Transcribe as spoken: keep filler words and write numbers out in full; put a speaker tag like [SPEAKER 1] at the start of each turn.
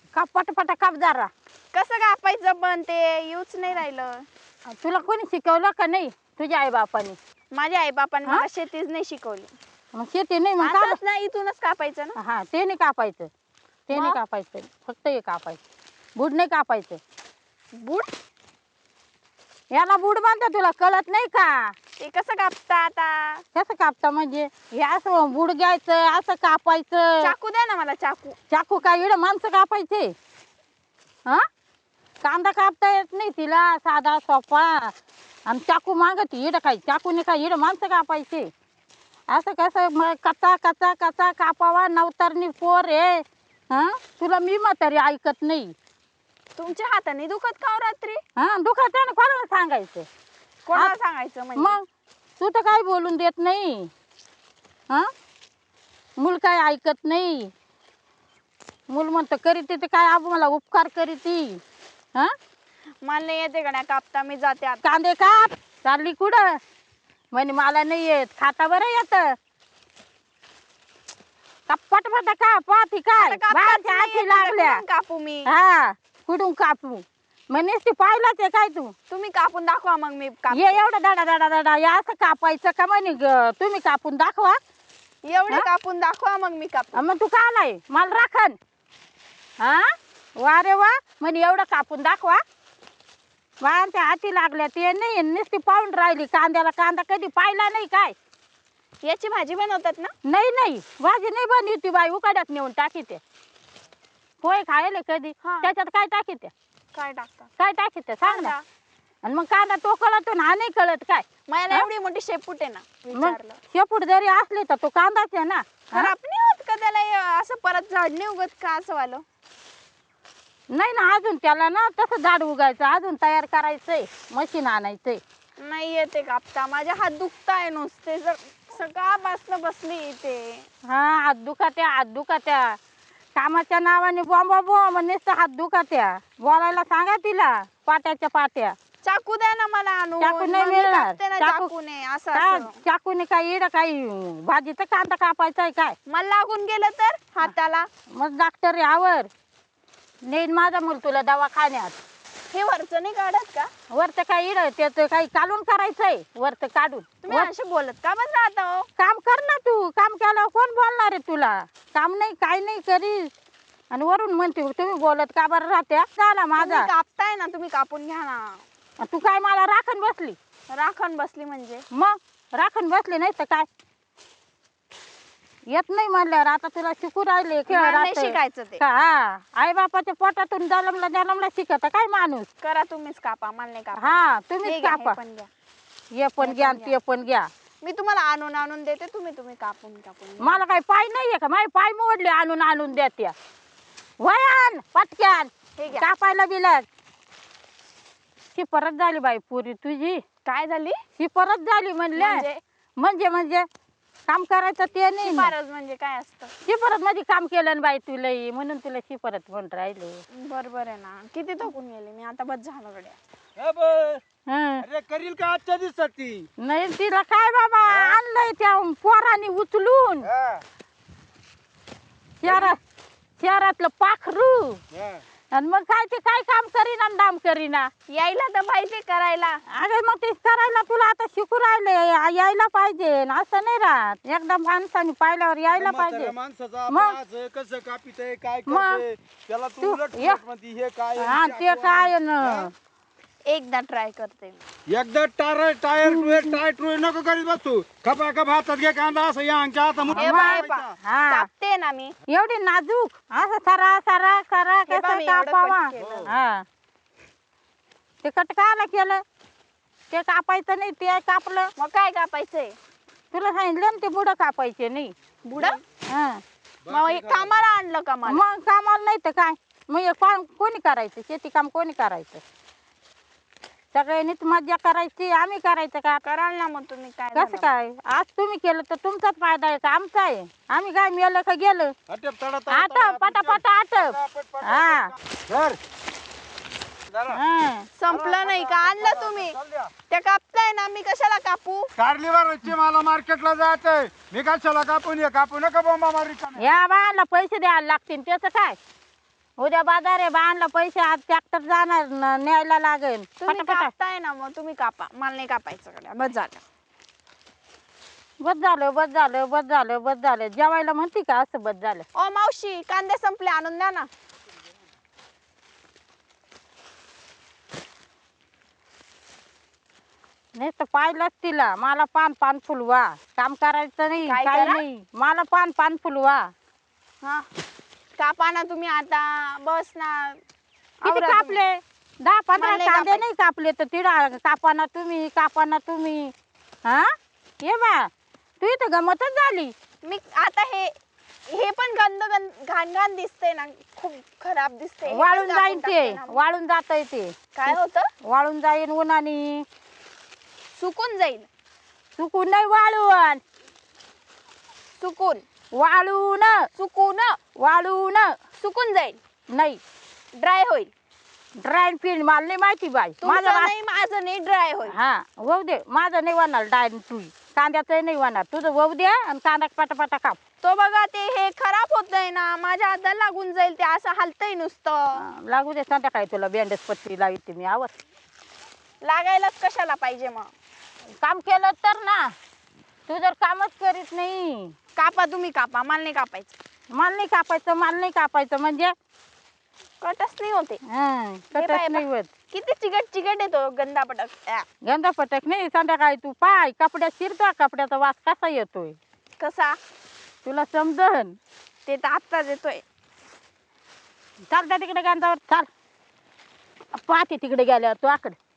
[SPEAKER 1] काप पटापटा काप जरा.
[SPEAKER 2] कसं कापायचं पण ते येऊच नाही राहिलं.
[SPEAKER 1] तुला कोणी शिकवलं का नाही तुझ्या आई बापाने?
[SPEAKER 2] माझ्या आई बापाने
[SPEAKER 1] हा?
[SPEAKER 2] मला शेतीच नाही शिकवली.
[SPEAKER 1] मग शेती नाही मग
[SPEAKER 2] असंच
[SPEAKER 1] का?
[SPEAKER 2] ना इथूनच कापायचं ना.
[SPEAKER 1] हा ते नाही कापायचं, ते नाही
[SPEAKER 2] मग?
[SPEAKER 1] कापायचं, फक्त हे कापायचं. बूड नाही कापायचं.
[SPEAKER 2] बूट
[SPEAKER 1] याला बूड म्हणतात, तुला कळत नाही का?
[SPEAKER 2] ते कसं कापता आता?
[SPEAKER 1] कसं कापता म्हणजे हे असं बूड घ्यायचं, असं कापायचं.
[SPEAKER 2] चाकू द्या ना मला चाकू.
[SPEAKER 1] चाकू काय इकडं माणसं कापायचे? हा कांदा कापता येत नाही तिला साधा सोपा, आणि चाकू मागती इडं काय? चाकूने काय इडं माणसं कापायचे? असं कसं मग कचा कचा कचा कापावा? नवतरणी पोर आहे. हा तुला मी म्हातारी ऐकत नाही.
[SPEAKER 2] तुमच्या हाताने दुखत का हो रात्री?
[SPEAKER 1] हा दुखत आहे ना, कोणाला सांगायचं?
[SPEAKER 2] कोणाला
[SPEAKER 1] हात-
[SPEAKER 2] सांगायचं म्हणजे?
[SPEAKER 1] मग तू तर काय बोलून देत नाही. हा मूल काय ऐकत नाही. मूल म्हणतं करीती ते काय आप मला उपकार करीती. हा
[SPEAKER 2] मला नाही येते का नाही कापता, मी जाते आता.
[SPEAKER 1] कांदे काप. चालली कुठं? म्हणे मला नाही येत. खाता बरं येत. कप्पट फटा का पाती काय
[SPEAKER 2] आता कापताच
[SPEAKER 1] बाहेरच्या
[SPEAKER 2] नाही
[SPEAKER 1] हाती
[SPEAKER 2] येत, आता
[SPEAKER 1] लागल्या.
[SPEAKER 2] कुठून कापू मी?
[SPEAKER 1] हा कुठून कापू? म्हणेस ती पाहिलाच आहे काय तू?
[SPEAKER 2] तुम्ही कापून दाखवा मग मी काप.
[SPEAKER 1] ये एवढं दाडा दाडा दाडा या असं कापायचं का म्हणे ग? तुम्ही कापून दाखवा.
[SPEAKER 2] एवढे
[SPEAKER 1] हा?
[SPEAKER 2] कापून दाखवा मग मी कापू.
[SPEAKER 1] अं, मग तू का आलाय मला राखण? हा वा रे वा म्हणे एवढं कापून दाखवा. बायांच्या हाती लागल्या ते नाही, नुसती पाहून राहिली. कांद्याला कांदा कधी पाहिला नाही काय?
[SPEAKER 2] याची भाजी बनवतात ना?
[SPEAKER 1] नाही नाही भाजी नाही बनली ती बाई, उकाड्यात नेऊन टाकीते. पोहे खायले कधी?
[SPEAKER 2] हा.
[SPEAKER 1] त्याच्यात काय टाकीते?
[SPEAKER 2] काय टाकता?
[SPEAKER 1] काय टाकीते सांग ना.
[SPEAKER 2] कांदा.
[SPEAKER 1] आणि मग कांदा तो कळतो ना, हा नाही कळत काय?
[SPEAKER 2] मला
[SPEAKER 1] हा?
[SPEAKER 2] एवढी मोठी शेपूट आहे ना.
[SPEAKER 1] मग
[SPEAKER 2] विचारलं
[SPEAKER 1] शेपूट जरी असले तर तो कांदाच आहे ना. हा?
[SPEAKER 2] खराब नाही होत का त्याला? हे असं परत झाड नाही उगत का असं वालं?
[SPEAKER 1] नाही ना अजून त्याला ना तसं झाड उगायचं, अजून तयार करायचंय, मशीन आणायचंय.
[SPEAKER 2] नाही येते कापता. माझे हात दुखताय नुसते. जर सकाळपासून बसली इथे.
[SPEAKER 1] हा हात दुखात्या, हात दुखात्या. कामाच्या नावाने बॉम्बा बॉम्ब नुसतं हात दुखात्या. बोलायला सांगा तिला पाट्याच्या पाट्या.
[SPEAKER 2] चाकू द्या ना मला आणून.
[SPEAKER 1] चाकू नाही
[SPEAKER 2] मग मी
[SPEAKER 1] मिळणार.
[SPEAKER 2] कापते ना
[SPEAKER 1] चाकू-
[SPEAKER 2] चाकूने. असं
[SPEAKER 1] काय
[SPEAKER 2] असं
[SPEAKER 1] चाकूने काय इडं काही भाजीचा कांदा कापायचा आहे काय?
[SPEAKER 2] मला लागून गेलं तर हाताला.
[SPEAKER 1] मग डॉक्टर यावर नेईन माझा मूल तुला दवाखान्यात.
[SPEAKER 2] हे वरचं नाही काढत का?
[SPEAKER 1] वरतं काय इड त्याचं काही काढून करायचंय वरतं काढून.
[SPEAKER 2] तुम्ही असे बोलत का बस राहता हो?
[SPEAKER 1] काम कर ना तू. काम केल्यावर कोण बोलणार आहे तुला? काम नाही काय नाही करीस आणि वरून म्हणते तुम्ही बोलत का बरं राहत्या? झाला माझा.
[SPEAKER 2] तुम्ही कापताय ना, तुम्ही कापून घ्या ना.
[SPEAKER 1] तू काय मला राखण बसली?
[SPEAKER 2] राखण बसली म्हणजे?
[SPEAKER 1] मग राखण बसली नाही तर काय? येत नाही म्हणल्यावर आता तुला शिकू राहिले खेळ
[SPEAKER 2] मला नाही
[SPEAKER 1] राहते.
[SPEAKER 2] शिकायचं ते.
[SPEAKER 1] का हा आई बापाच्या पोटातून जन्मला जन्मला शिकत काय माणूस?
[SPEAKER 2] करा तुम्हीच कापा, मला नाही कापा.
[SPEAKER 1] हा
[SPEAKER 2] हे
[SPEAKER 1] तुम्हीच
[SPEAKER 2] घ्या, हे
[SPEAKER 1] कापा.
[SPEAKER 2] पण घ्या.
[SPEAKER 1] ये पण
[SPEAKER 2] हे
[SPEAKER 1] घ्या
[SPEAKER 2] पण
[SPEAKER 1] आणि ते पण घ्या.
[SPEAKER 2] मी तुम्हाला आणून आणून देते, तुम्ही तुम्ही कापून कापून घ्या.
[SPEAKER 1] मला काही पाय नाहीये का? माझे पाय मोडले आणून आणून देत्या. वयान पटक्यान
[SPEAKER 2] हे घ्या.
[SPEAKER 1] कापायला बिलक. ही परत झाली बाई पुरी तुझी.
[SPEAKER 2] काय झाली?
[SPEAKER 1] ही परत झाली म्हणले.
[SPEAKER 2] म्हणजे
[SPEAKER 1] म्हणजे म्हणजे काम करायचं ते नाही ना.
[SPEAKER 2] शिफारस म्हणजे काय असतं?
[SPEAKER 1] शिपरत मध्ये काम केलं ना बाई तुला, म्हणून तुला शिपरत म्हणून राहिले.
[SPEAKER 2] बरोबर आहे ना. किती थकून गेले मी आता. बस झालं गड्या.
[SPEAKER 3] ए बे,
[SPEAKER 1] हं.
[SPEAKER 3] अरे करील का आजच्या दिवसात ती?
[SPEAKER 1] नाही तिला काय बाबा आणलंय त्या पोराने उचलून
[SPEAKER 3] हा,
[SPEAKER 1] शहरात, शहरातलं पाखरू.
[SPEAKER 3] हा.
[SPEAKER 1] आणि मग काय ते काय काम करीना आणि दाम करीना.
[SPEAKER 2] यायला तर पाहिजे करायला.
[SPEAKER 1] अरे मग ते करायला तुला आता शिकू राहिले, यायला पाहिजे. असं नाही राहत. एकदा माणसाने पाहिल्यावर यायला पाहिजे.
[SPEAKER 3] म्हाताऱ्या माणसाचा
[SPEAKER 1] मग?
[SPEAKER 3] आपण आज कसं कापितय काय
[SPEAKER 1] मग?
[SPEAKER 3] करते त्याला तू
[SPEAKER 1] तू-
[SPEAKER 3] उलट
[SPEAKER 1] ये.
[SPEAKER 3] उलट म्हणती हे काय आहे,
[SPEAKER 1] हा
[SPEAKER 3] चाकू
[SPEAKER 1] ते
[SPEAKER 3] आहे.
[SPEAKER 1] काय न
[SPEAKER 3] हा?
[SPEAKER 2] एकदा ट्राय करते मी.
[SPEAKER 3] एकदा टायर टायर टुयर टायर टुयर नको करीत बसू. खपा खप हातात घे कांदा असं या अंगच्या हाता
[SPEAKER 2] हे बा, हे बा.
[SPEAKER 1] हा
[SPEAKER 2] कापते ना मी.
[SPEAKER 1] एवढी नाजूक असं सरा सरा सरा
[SPEAKER 2] हे बा,
[SPEAKER 1] कसं
[SPEAKER 2] मी एवढं
[SPEAKER 1] कापावा.
[SPEAKER 2] कट केलं.
[SPEAKER 1] हा ते कट कायला केलं? ते कापायचं नाही ते कापलं.
[SPEAKER 2] मग काय कापायचंय?
[SPEAKER 1] तुला सांगितलं ना ते बुडं कापायचे नाही.
[SPEAKER 2] बुडा?
[SPEAKER 1] हा
[SPEAKER 2] मग हे कामाला आणलं का मला?
[SPEAKER 1] मग कामाला नाही तर काय? मग हे काम कोणी करायचं? शेती काम कोणी करायचं? सगळ्यांनीच मजा करायची, आम्ही करायचं का?
[SPEAKER 2] कराल ना मग तुम्ही. काय
[SPEAKER 1] कसं
[SPEAKER 2] झालं?
[SPEAKER 1] काय? आज तुम्ही केलं तर तुमचाच फायदा आहे का आमचा आहे? आम्ही काय मेलं का गेलं?
[SPEAKER 3] आटप तडा तडा
[SPEAKER 1] आटप पटापट आटप. हा
[SPEAKER 3] धर. जरा.
[SPEAKER 1] हा.
[SPEAKER 2] संपलं नाही का? आणलं तुम्ही.
[SPEAKER 3] चल द्या.
[SPEAKER 2] त्या कापताय ना, मी कशाला कापू?
[SPEAKER 3] कारलीवरची मला मार्केटला जायचंय. मी कशाला कापून ये कापू नका बोंबा मारी का नाही.
[SPEAKER 1] या बाळाला पैसे द्यायला लागतील त्याचं काय? उद्या बाजार आहे बाणला पैसे आज ट्रॅक्टर जाणार न- न्यायला लागेल
[SPEAKER 2] तुम्ही
[SPEAKER 1] पटापटा
[SPEAKER 2] कापताय ना मग तुम्ही कापा, मला नाही कापायचं गड्या, बस झालं.
[SPEAKER 1] बस झालं बस झालं बस झालं बस झालं जेवायला म्हणते का असं बस झालं.
[SPEAKER 2] ओ मावशी, कांदे संपले, आणून द्या ना.
[SPEAKER 1] नाही तर पाहिलंच तिला मला पान पान फुलवा काम करायचं नाही
[SPEAKER 2] काय
[SPEAKER 1] काही
[SPEAKER 2] करा?
[SPEAKER 1] नाही मला पान पान फुलवा.
[SPEAKER 2] हा, कापा ना तुम्ही आता, बस ना.
[SPEAKER 1] किती
[SPEAKER 2] आवरा तुम्ही.
[SPEAKER 1] कापले दहा पंधरा
[SPEAKER 2] मला नाही
[SPEAKER 1] कांदे
[SPEAKER 2] कापायचे.
[SPEAKER 1] नाही कापले तर तिडा कापाना तुम्ही कापाना तुम्ही. हा ये बा तू इथं गमतच झाली.
[SPEAKER 2] मी आता हे हे पण गंद गंद घाण घाण दिसते ना, खूप खराब दिसते. हे पण
[SPEAKER 1] वाळून
[SPEAKER 2] कापून
[SPEAKER 1] जाईन ते
[SPEAKER 2] टाकते ना.
[SPEAKER 1] वाळून जात ते
[SPEAKER 2] काय होतं?
[SPEAKER 1] वाळून जाईन उन्हाने
[SPEAKER 2] सुकून जाईल.
[SPEAKER 1] सुकून नाही वाळून
[SPEAKER 2] सुकून
[SPEAKER 1] वाळून
[SPEAKER 2] सुकून
[SPEAKER 1] वाळून
[SPEAKER 2] सुकून जाईल,
[SPEAKER 1] नाही
[SPEAKER 2] ड्राय होईल.
[SPEAKER 1] ड्रायन पीन मला नाही माहिती बाई
[SPEAKER 2] तुमचं
[SPEAKER 1] माझं वा-
[SPEAKER 2] नाही, माझं नाही, ड्राय होईल.
[SPEAKER 1] हा होऊ दे माझं नाही वाणार डायन तू कांद्याचं नाही वाणार तुझं होऊ दे आणि कांदा पटापटा काप.
[SPEAKER 2] तो बघा ते हे खराब होतंय ना, माझ्या हाताला लागून जाईल ते, असं हलतंय नुसतं.
[SPEAKER 1] हा, लागू दे संध्याकाळी तुला बँडेज पट्टी लावते मी आवर.
[SPEAKER 2] लागायलाच कशाला पाहिजे मग.
[SPEAKER 1] काम केलं तर ना तू जर कामच करीत नाही.
[SPEAKER 2] कापा तुम्ही कापा, मला नाही कापायचं.
[SPEAKER 1] माल नाही कापायचं माल नाही कापायचं म्हणजे
[SPEAKER 2] कटच नाही होते.
[SPEAKER 1] हं,
[SPEAKER 2] बाय
[SPEAKER 1] कटच
[SPEAKER 2] बा.
[SPEAKER 1] नाही होत.
[SPEAKER 2] किती चिकट चिकट येतो गंदा पटक. आ,
[SPEAKER 1] गंधा पटक नाही संध्याकाळी तू पाय कपड्यात शिरतो कपड्याचा वास कसा येतोय
[SPEAKER 2] कसा?
[SPEAKER 1] तुला समजन.
[SPEAKER 2] ते तर आत्ताच येतोय.
[SPEAKER 1] चालता तिकडे गंधावर चाल पाहते तिकडे गेल्यावर तू आकडे